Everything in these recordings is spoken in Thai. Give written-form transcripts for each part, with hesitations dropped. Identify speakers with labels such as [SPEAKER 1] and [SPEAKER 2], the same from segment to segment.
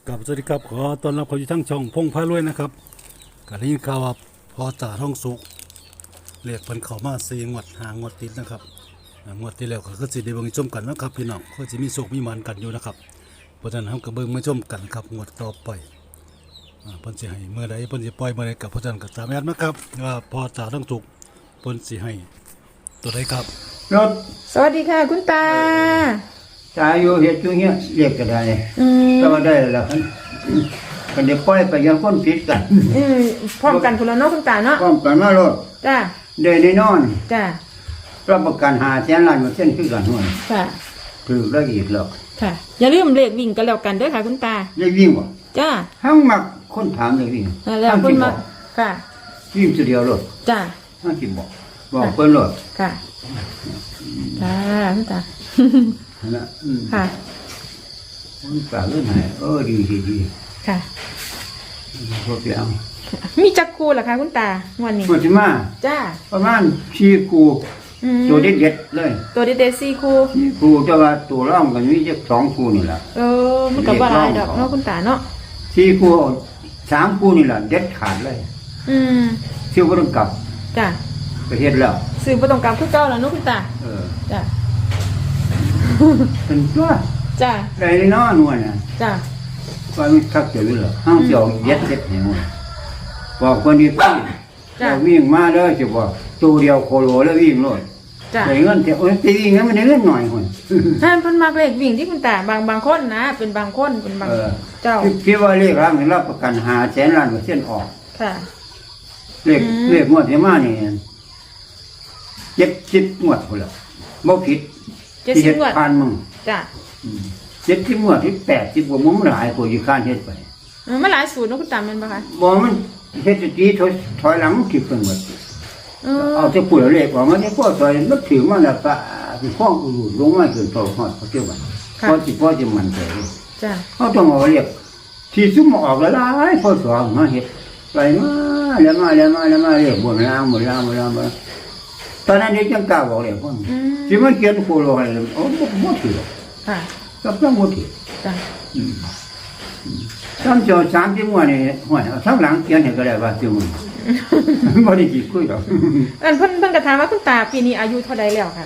[SPEAKER 1] กับสวัสดีครับขอต้อนรับเข้าสู่ทั้งช่องพงพารวยนะครับก็ได้ยินข่าวว่าพอจ่าท้องสุกเรียกเพิ่นเข้ามา4งวด5งวดติดนะครับงวดที่แล้วก็คือสิได้เบิ่งชมกันนะครับพี่น้องก็สิมีโชคมีหมันกันอยู่นะครับเพราะฉะนั้นเฮาก็เบิ่งมาชมกันครับงวดต่อไปเพิ่นสิให้เมื่อใดเพิ่นสิปล่อยเมื่อใดกับเพราะฉะนั้นก็ตามแอดมาครับว่าพอจ่าท้องสุกเพิ่นสิให้ตัวใดครับ
[SPEAKER 2] รถ
[SPEAKER 3] สวัสดีค่ะคุณตา
[SPEAKER 2] ตายอยู่เฮ็ดอยู่เงี้ยเรียกก็ได้ก็ได้แล้วกันเดี๋ยวปล่อยไปยังคนผิดกัน
[SPEAKER 3] พร้อมกันคุณละเนาะคุณตาเนาะ
[SPEAKER 2] พร้อมกันมารถ
[SPEAKER 3] จ้า
[SPEAKER 2] ได้แน่นอน
[SPEAKER 3] จ้า
[SPEAKER 2] รับประกัน500,000,000,000มาเส้นคือกันหัว
[SPEAKER 3] ค่ะ
[SPEAKER 2] ถือแล้วอีกแล้ว
[SPEAKER 3] ค่ะอย่าลืมเลขวิ่งกันแล้วกันเด้อค่ะคุณตา
[SPEAKER 2] เลขวิ่งบ่
[SPEAKER 3] จ้า
[SPEAKER 2] ทั้งมักคนถามเลขวิ่ง
[SPEAKER 3] แล้วคนมาค่ะ
[SPEAKER 2] วิ่งตัวเดียวรถ
[SPEAKER 3] จ้า
[SPEAKER 2] ทั้งสิบอกเพิ่นรถ
[SPEAKER 3] ค่ะค่ะคุณตา
[SPEAKER 2] นะ
[SPEAKER 3] ค่ะ
[SPEAKER 2] คุณตาเรื่องไหนดี
[SPEAKER 3] ค่ะ
[SPEAKER 2] พวกเดียว
[SPEAKER 3] มีจักคู่เหรอคะคุณตาวันนี้
[SPEAKER 2] มันสิมา
[SPEAKER 3] จ้า
[SPEAKER 2] ประมาณ4คู่ตัวเด็ดๆเลย
[SPEAKER 3] ตัวเด็ดๆ4คู่
[SPEAKER 2] 4คู่แต่ว่าตัวร่องกันมีจัก2คู่นี่ล่ะ
[SPEAKER 3] มันก็บ่หลายดอกเนาะคุณตาเนาะ
[SPEAKER 2] 4คู่3คู่นี่ล่ะเด็ดขาดเลยชื่อบ่ต้องกลับ
[SPEAKER 3] จ้า
[SPEAKER 2] ประเทศแล้ว
[SPEAKER 3] ซื้อบ่ต้องกลับคือเก่าแล้วเนาะคุณตาจ้า
[SPEAKER 2] เป็นตัว
[SPEAKER 3] จ้า
[SPEAKER 2] ได้เนาะนวลน่ะ
[SPEAKER 3] จ้า
[SPEAKER 2] ว่ามันคักเจอเลยห้างเสียวเย็ดเหี่ยวบอกคนนี้พี่เราวิ่งมาเด้อสิบอกตัวเดียวโคโลแล้ววิ่งโลดได้เงินแต่ไปวิ่งนั้นมันได้เงินหน่อยคน
[SPEAKER 3] ท่านเพิ่นมักเลขวิ่งที่คุณตาบางคนนะเป็นบางคนเป็นบางเจ้า
[SPEAKER 2] คิดว่าเลขร่างนี่รับประกัน500,000,000,000%ออก
[SPEAKER 3] ค่ะ
[SPEAKER 2] เลขงวดที่มานี่70งวดพุ่นล่ะบ่ผิด
[SPEAKER 3] 70งวด
[SPEAKER 2] ผ่านมึง
[SPEAKER 3] จ้ะ
[SPEAKER 2] 70งวดที่80กว่ามึงหลายกว่าอยู่ข้านเฮ็ดไป
[SPEAKER 3] มันหลายสูตรเนาะคุณตาแม่นบ่คะ
[SPEAKER 2] บ่มันเฮ็ดสิถอยหลังคิดเพิ่นหมดเอาแต่พูดเลขว่ามันนี่พอถอยมันถือมาแล้วก็สิฟ้องอู่ลงมาจนโตฮอดเขาเจ้าว่าพอสิมันใจ
[SPEAKER 3] จ้ะ
[SPEAKER 2] เฮาต้องเอาเลขที่ซุ่มออกหลายพอสองมาเฮ็ดไปมาแล้วมาเลขบ่ล่างตอนนั้นนี่จังกล้าบอกเลยพ่นสิมันเขียนโคโลให้โอ้บ่ถือ
[SPEAKER 3] ค่ะ
[SPEAKER 2] ก็ต้องบ่ถือ
[SPEAKER 3] จ้ะ
[SPEAKER 2] 3จอ3ที่มั่วนี่ห้วยทั้งหลังเขียนให้ก็ได้ว่าซื่อมันบ่ได้คิดคุยดอก
[SPEAKER 3] เพิ่นก็ถามว่าคุณตาปีนี้อายุเท่าใดแล้วค่ะ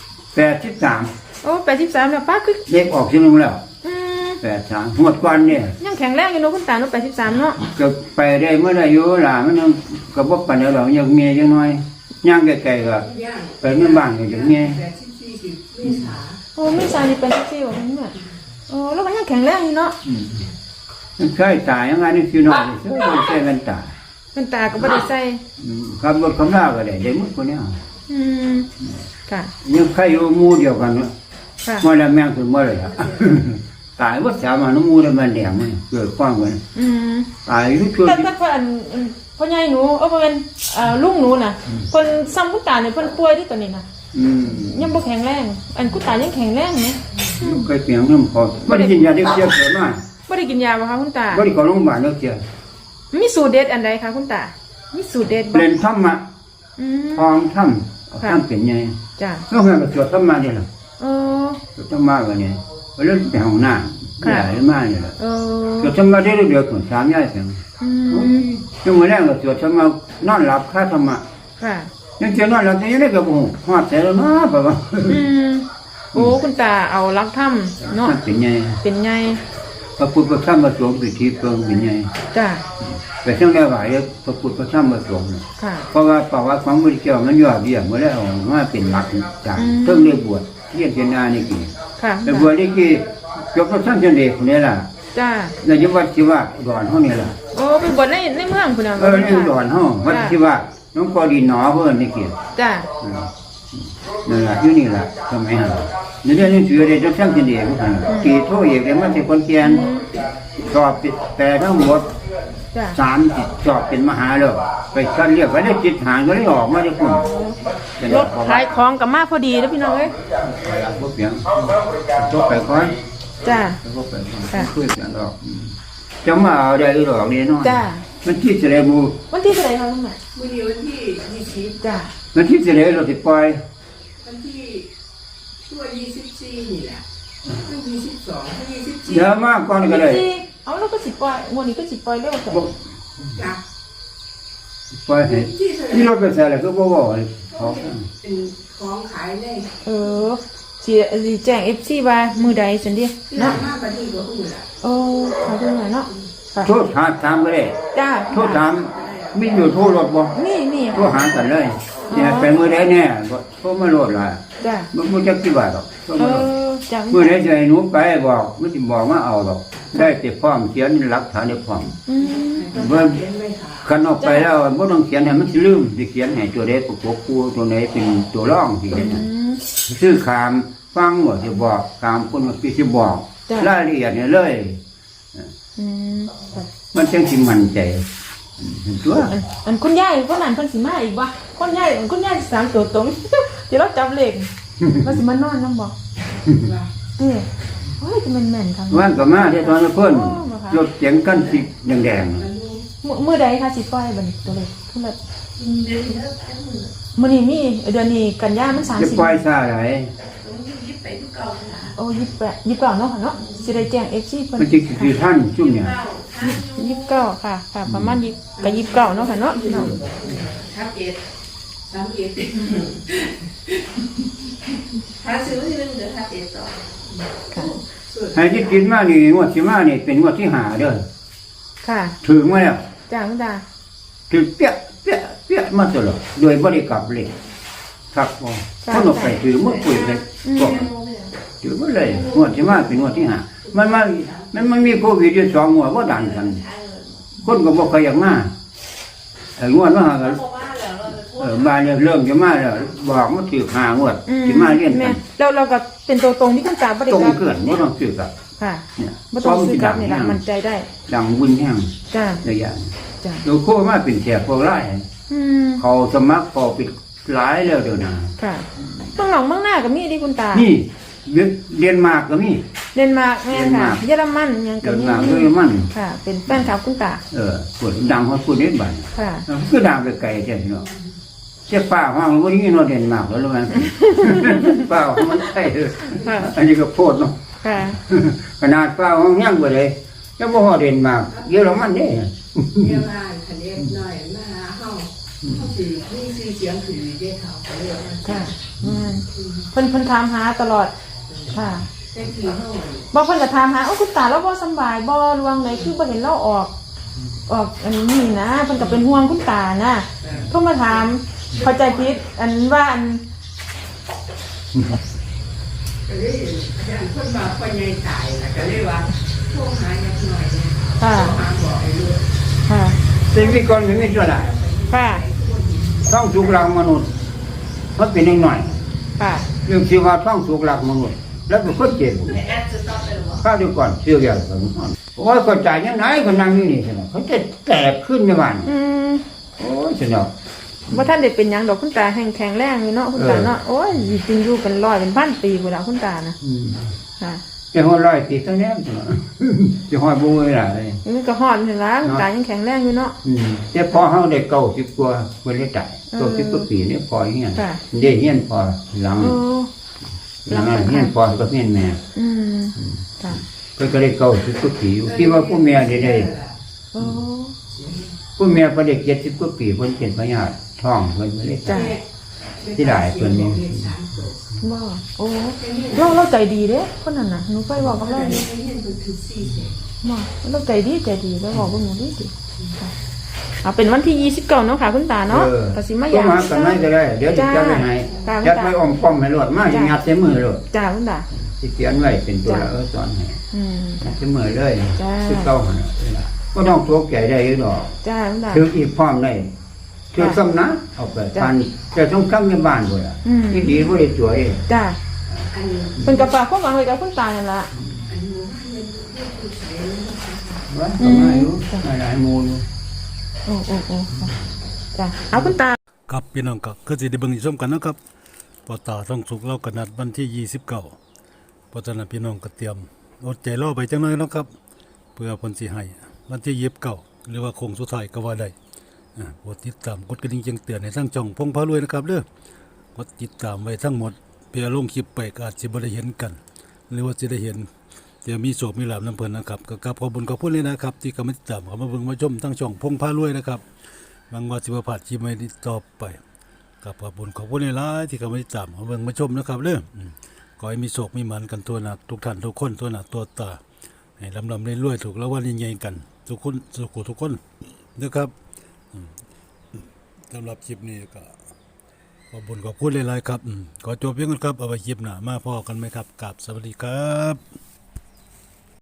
[SPEAKER 2] 83
[SPEAKER 3] โอ้83แล้วป้าคือ
[SPEAKER 2] เด็กออกซื่อนึงแล้ว83หมดก่อนเนี่ย
[SPEAKER 3] ยังแข็งแรงอยู่เนาะคุณตาเนาะ83เนาะ
[SPEAKER 2] ก็ไปได้เมื่อได้อยู่ล่ะมันก็บ่ปานใดหรอกยังเมียจังน้อยย่างไกลๆก็ไปเมืองบ้านก็จังเมีย
[SPEAKER 3] โอ้ไม่ใช่นี่เป็นซี่ว่านี่น่ะโอ้แล้วมันยังแข็งแรงอยู่เนาะ
[SPEAKER 2] มันเคยตายยังไงนี่คือน้อยซื่อมันใช้เงินตา
[SPEAKER 3] เป็นตาก็บ่ได้ใส่
[SPEAKER 2] ขับรถคำลาก็ได้หมดคนนี้
[SPEAKER 3] ค่ะ
[SPEAKER 2] ยังใครอยู่หมู่เดียวกันเนาะบ่แล้วแม่งคือบ่เลยตายบ่สามารถหมู่ได้มันแดงมันเกิดความกันตายอยู่ชั่ว
[SPEAKER 3] แต่เพิ่นพ่อใหญ่หนูบ่แม่นลุงหนูน่ะเพิ่นซ้ำคุณตาเนี่ยเพิ่นป่วยที่ตอนนี้น่ะยังบ่แข็งแรงอันคุณตายังแข็งแรงมั้ย
[SPEAKER 2] เคยเปียงน้ำพอบ่ได้กินยาเด็กเสียเกิดมา
[SPEAKER 3] บ่ได้กินยาบ่คะคุณตา
[SPEAKER 2] บ่ได้เข้าโรงพยาบาลเด้อเสีย
[SPEAKER 3] มีสูตรเด็ดอันใดคะคุณตามีสูตรเด็ดบ่
[SPEAKER 2] เล่นธรรมะทองธรรมเป็นไง
[SPEAKER 3] จ้ะ
[SPEAKER 2] แล้วเฮาก็สวดธรรมะนี่ล่ะสวดธรรมะก็นี่ไปเล่นไปห้องน้ำใหญ่มากนี่ล่ะสวดธรรมะได้เดือน3ยายเพียงยังมื้อแรกก็สวดธรรมะนอนหลับคาธรรมะ
[SPEAKER 3] ค่ะ
[SPEAKER 2] ยังจะนอนหลับยังได้ก็บ่ฮอดแต่แล้วเนาะบ่ว่า
[SPEAKER 3] โอ้คุณตาเอาลักถ้ำเนาะเป็นไง
[SPEAKER 2] พระพุทธพระธรรมพระสงฆ์สิที่เพิ่งเป็นไง
[SPEAKER 3] จ้ะ
[SPEAKER 2] แต่ทั้งได้หลายพระพุทธพระธรรมพระสงฆ์เพราะว่าประวัติของพระพุทธเจ้ามันยอดเยี่ยมมาแล้วมาเป็นหลักจากเพิ่งได้บวชเรียนเจนานี่กี่แต่บวชนี่กี่ยกพระท่านเจเดชนี่ล่ะ
[SPEAKER 3] จ้ะ
[SPEAKER 2] ในจังหวัดที่ว่าดอนเฮานี่ล่ะ
[SPEAKER 3] โอ้เป็นบวชในเมืองพุ่นน่ะ
[SPEAKER 2] ในดอนเฮาวัดที่ว่าน้องกอดินหนอเพิ่นนี่กี่
[SPEAKER 3] จ้ะ
[SPEAKER 2] นั่นล่ะอยู่นี่ล่ะสมัยนั้นในเรื่องนี้ชื่อได้จังซั่นเจเดชกี่โทเอกได้มาแต่คนเกียนสอบแต่ทั้งหมด3สอบเป็นมหาแล้วไปคัดเรียกไว้ได้จิตหางก็เลยออกมาได้คุณ
[SPEAKER 3] รถขายของกับมาพอดีแล้วพี่น้องเอ้ย
[SPEAKER 2] บ่เปียงจบไปก่อน
[SPEAKER 3] จ้ะ
[SPEAKER 2] คุยกันดอกจะมาเอาได้หรอกนี่เนาะ
[SPEAKER 3] จ้ะ
[SPEAKER 2] มันที่สิได้บ่
[SPEAKER 3] วันที่เท่าไหร่คะลุงน่ะ
[SPEAKER 4] มื้อนี้วันที่20
[SPEAKER 3] จ้ะ
[SPEAKER 2] มันที่สิได้เราสิปล่อย
[SPEAKER 4] วันที่ช่วง24นี่แหละ22 24
[SPEAKER 2] เดี๋ยวมาก่อนก็ได้
[SPEAKER 3] เอาแล้วก็สิปล่อยงวดนี้ก็สิปล่อยเร็วแต่
[SPEAKER 2] บ่
[SPEAKER 4] จับ
[SPEAKER 2] ปล่อยให้ที่รถไปใส่แล้วก็บ่เว้าให้เขา
[SPEAKER 4] เป็นของขายได้
[SPEAKER 3] เออสิแจ้ง FC ว่ามือใดซั่นดิ
[SPEAKER 4] เนาะ
[SPEAKER 3] เนาะ
[SPEAKER 4] มาบัดนี้ก็อื่นล่ะ
[SPEAKER 3] โอ้ขอบคุณหน่อยเนาะค่ะ
[SPEAKER 2] โทษถามก็ได้
[SPEAKER 3] จ้า
[SPEAKER 2] โทษถามมีอยู่โทรรถบ่
[SPEAKER 3] นี่
[SPEAKER 2] โทรหากันเลยเนี่ยไปมื้อใดแน่ก็โทรมาโลดล่ะ
[SPEAKER 3] จ้า
[SPEAKER 2] บ่จักกี่บาทหรอกโทร
[SPEAKER 3] เอ
[SPEAKER 2] มาโลด
[SPEAKER 3] อจ้า
[SPEAKER 2] มื้อใดสิให้หนูไปบอกมันสิบอกมาเอาดอกได้แต่พร้อมเขียนหลักฐานได้พร้อม
[SPEAKER 3] อืม
[SPEAKER 2] เบิ่ง
[SPEAKER 4] เขียนไว้ค่ะ
[SPEAKER 2] คันออกไปแล้วบ่ต้องเขียนให้มันสิลืมสิเขียนให้ตัวใดประกบคู่ตัวไหนเป็นตัวรองสิเห็นน่ะ ซื้อขามฟังหมดจะบอกขามคนมาพี่จะบอก
[SPEAKER 3] จ้ะ
[SPEAKER 2] รายละเอียดเนี่ยเลย
[SPEAKER 3] อืมค่ะ
[SPEAKER 2] มันจังสิมั่นใจตัว
[SPEAKER 3] อันคุณยายคนนั้นเพิ่นสิมาอีกบ่คุณยายสามตัวตรง ที่เราจับเลขเราสิมานอนนำบ่เอ้ยโอ้ยจะแม่นๆทาง
[SPEAKER 2] วันก็มาที่ตอนนั้นเพิ่นรถเสียงกันสิแดง
[SPEAKER 3] มื้อใดคะสิปล่อยบัดนี้ตัวเลขพุ่นละมื้อนี้มีเดือนนี้กันยามัน
[SPEAKER 2] ๆจะปล่อย
[SPEAKER 3] 30
[SPEAKER 2] ซาไหล
[SPEAKER 4] ยิบไปทุกเก่าค่ะ
[SPEAKER 3] โอ้28 29เนาะค่ะเนาะสิได้แจ้ง FC เพิ่น
[SPEAKER 2] มันจะคือท่านจุ่มเนี่ย
[SPEAKER 3] 29ค่ะค่ะประมาณ20ก็29เนาะค่ะเนาะพี่น้อง
[SPEAKER 4] ทับเอ็ด31ถ้าซื้อที่นึงเดี๋ยวทับเอ็ดต่อ
[SPEAKER 3] ค่ะ
[SPEAKER 2] ให้ที่กินมานี่งวดที่มานี่เป็นงวดที่หาเด้อ
[SPEAKER 3] ค่ะ
[SPEAKER 2] ถึงมาแล้ว
[SPEAKER 3] จ้าคุณตา
[SPEAKER 2] ถึงเปี้ยเปี้ยเปี้ยมาตลอดโดยบ่ได้กลับเลยครับบ่คนออกไปถือมือปุ๋ยเลยบอกถือมาเลยงวดที่มาเป็นงวดที่หามันมีโควิดอยู่2งวดบ่ดันกัน คนก็บอกใครอยากมางวดมาหากันมาเนี่ยเริ่มจะมาแล้วบอกมาถือหางวดจะมาเรียนกั
[SPEAKER 3] แม่
[SPEAKER 2] น
[SPEAKER 3] เราก็เป็นตัวตรงที่คุณตาบ่ได้
[SPEAKER 2] ต้อง
[SPEAKER 3] รับ
[SPEAKER 2] เกินไม่ต้องซื้อกับ
[SPEAKER 3] ค่ะ
[SPEAKER 2] เนี่ย
[SPEAKER 3] บ่ต้องซื้อกลับนี่ล่ะมั่นใจได้
[SPEAKER 2] ดังวุ่นแห้ง
[SPEAKER 3] จ้า
[SPEAKER 2] ระยะ
[SPEAKER 3] จ้า
[SPEAKER 2] เราโคมาเป็นแถบพวกไล่
[SPEAKER 3] อืม
[SPEAKER 2] เขาสมัครพอปิดหลายแล้วเดี๋ยวนะ
[SPEAKER 3] ค่ะเมืองหนองเมืองหน้าก็มีดิคุณตา
[SPEAKER 2] นี่เรียนมากก็มี
[SPEAKER 3] เดนมาร์กแม่นค่ะเยอรมันยังก็
[SPEAKER 2] เรียน
[SPEAKER 3] มี
[SPEAKER 2] มากก็มีมัน
[SPEAKER 3] ค่ะ เป็นแฟนคลับคุณตา
[SPEAKER 2] ปวดดังเขาพูดเล่นบัน
[SPEAKER 3] ค่ะ
[SPEAKER 2] คือดังไปไกลเจ้าเนาะเจ้าป้าห้องวันนี้นอนเด่นมากแล้วมั้ง ป้าห้องมันใช่เลย
[SPEAKER 3] ค่ะ
[SPEAKER 2] อันนี้ก็โพดเนาะ
[SPEAKER 3] ค่ะ
[SPEAKER 2] ขนาดป้าห้องย่างไปเลยยังบ่ฮอดเด่นมากเยอะแล้วมันเด้
[SPEAKER 4] เรียกว่าคันเอ็ดหน่อยมาหาเฮาเฮาสิมีชื่อเสียงคือได้เขาก็เรียกว่า
[SPEAKER 3] ค่ะอืมเพิ่นถามหาตลอดค่ะ
[SPEAKER 4] แต่คือเฮา
[SPEAKER 3] บ่เพิ่นก็ถามหาโอ้คุณตาเราบ่สำบายบ่ลวงไหนคือบ่เห็นเราออกอันนี้นะเพิ่นก็เป็นห่วงคุณตานะโทรมาถามเข้าใจผิดอันว่าอัน
[SPEAKER 4] ก็เลยอย่างเพิ่นว่าพ่อใหญ่ตายน่ะก็เลยว่าโทรหาจักหน่อยนะ
[SPEAKER 3] ค่ะ
[SPEAKER 4] โทรหาบอกให้รู้
[SPEAKER 3] ค่ะ
[SPEAKER 2] สิ่งที่ก่อนมันไม่ช่วยได้
[SPEAKER 3] ค่ะ
[SPEAKER 2] ท่องสุกหลักมนุษย์มันเป็นหน่อย
[SPEAKER 3] ค่ะ
[SPEAKER 2] เรื่องชีวาท่องสุกหลักมนุษย์แล้วเป็นคนเจ็บ
[SPEAKER 4] แอดจะต้องไปหรอ
[SPEAKER 2] ข้าวเดียวก่อนเชื่อเดียวกันโอ้ยคนจ่ายยังไงคนนั่งนี่นี่ใช่ไหมเขาจะแตกขึ้นในบ้าน
[SPEAKER 3] อืม
[SPEAKER 2] โอ้ยเสียเนาะ
[SPEAKER 3] ว่าท่านได้เป็นหยังดอกคุณตาแข็งแรงอยู่เนาะคุณตาเนาะโอ้ยจริงอยู่เป็นร้อยเป็นพันปีกูแล้วคุณตานะค่ะ
[SPEAKER 2] จะห้อยร้อยตีตั้งแน่ใช่ไหมจะห้อยบุ้งเลยล่ะเลย
[SPEAKER 3] นี่ก็ฮอดนี่ล่ะคุณตายังแข็งแรงอยู่เนาะ
[SPEAKER 2] แต่พอเขาได้90 กว่าคนได้จ่าย90 กว่าปีนี่พอเงี้ย
[SPEAKER 3] ค่ะ
[SPEAKER 2] ได้เงี้ยพอหลัง
[SPEAKER 3] โอ้
[SPEAKER 2] หลังเงี้ยพอก็เงี้ยแม่
[SPEAKER 3] อืมค่ะ
[SPEAKER 2] เพิ่นก็ได้90 กว่าปีอยู่ที่ว่าผู้แม่ได้
[SPEAKER 3] โอ้
[SPEAKER 2] ผู้แม่พอได้70 กว่าปีเพิ่นเป็นพญาติท้องเพิ่นไม่ได้
[SPEAKER 3] จ้ะ
[SPEAKER 2] ที่ได้เพิ่นนี่
[SPEAKER 3] บ่โอ้เราใจดีเด้คนนั้นน่ะหนูไปบอกกับเราดิ
[SPEAKER 4] เห็นเพิ่นคือ4
[SPEAKER 3] บ่เราใจดีแล้วบอกกับหนูดิค่ะเอาเป็นวันที่29เนาะค่ะคุณตาเนาะก็สิมา
[SPEAKER 2] ก็
[SPEAKER 3] ยาม
[SPEAKER 2] มากันไหนก็ได้เดี๋ยวจะจัดไปให้จัดไปอ้อมป้อมให้รวดมาสิงัดใส่มือรวด
[SPEAKER 3] จ้าคุณตา
[SPEAKER 2] สิเขียนไว้เป็นตัวละสอนให้
[SPEAKER 3] อืม
[SPEAKER 2] งัดใส่มือเลย
[SPEAKER 3] จ้า
[SPEAKER 2] คือเก่าหั่นน่ะก็ต้องตกใจได้อยู่ดอก
[SPEAKER 3] จ้าคุณตา
[SPEAKER 2] ถึงอีกพร้อมได้ถึงซ้ำนะเอาไปปันจะต้องทำในบ้านพุ่นล่ะ
[SPEAKER 3] อืม
[SPEAKER 2] ที่ดีบ่ได้ช่วย
[SPEAKER 3] จ้า
[SPEAKER 4] อัน
[SPEAKER 3] เป็นกระฝากความหวังไว้กับคุณตานั่นล่ะ
[SPEAKER 4] อันหมู่บ้านเพิ่นคือใส่นะคะ
[SPEAKER 2] ว่าก็มาอยู่หลายๆหมู่อยู่
[SPEAKER 3] โอ้จ้าเอาคุณตา
[SPEAKER 1] ครับพี่น้องก็คือสิได้เบิ่งชมกันนะครับพอตาท่องสุกเราก็นัดวันที่29เพราะฉะนั้นพี่น้องก็เตรียมอดใจรอไปจังหน่อยเนาะครับ เพื่อเพิ่นสิให้วันที่29หรือว่าโค้งสุดท้ายก็ว่าได้โปรดติดตามกดกระดิ่งแจ้งเตือนในทางช่องพงพารวยนะครับเด้อกดติดตามไว้ทั้งหมดเพื่อลงคลิปไปก็อาจสิบ่ได้เห็นกัน หรือว่าสิได้เห็นเดี๋ยวมีโศกมีลาบน้ำเพลินนะครับก็กราบขอบคุญขอบคุณเลยนะครับ ที่กำลังติดตามเขามาเบิ่งมาชมทั้งช่องพงพารวยนะครับบางว่าสิบผ่านที่ไม่ได้ต่อไปกับขอบคุญขอบคุณหลายๆที่กำลังติดตามเขาเบิ่งมาชมนะครับเด้อขอให้มีโศกมีหมันกันตัวหนักทุกท่านทุกคนตัวหนักตัวตาให้ลำๆรวยๆถูกแล้ววันใหญ่ๆกันทุกคนทุกคนนะครับสำหรับคลิปนี้ก็ขอบคุญขอบคุณหลายๆครับขอจบเพียงเท่านี้ครับเอาไว้คลิปหน้ามาพอกันไหมครับกราบสวัสดีครับ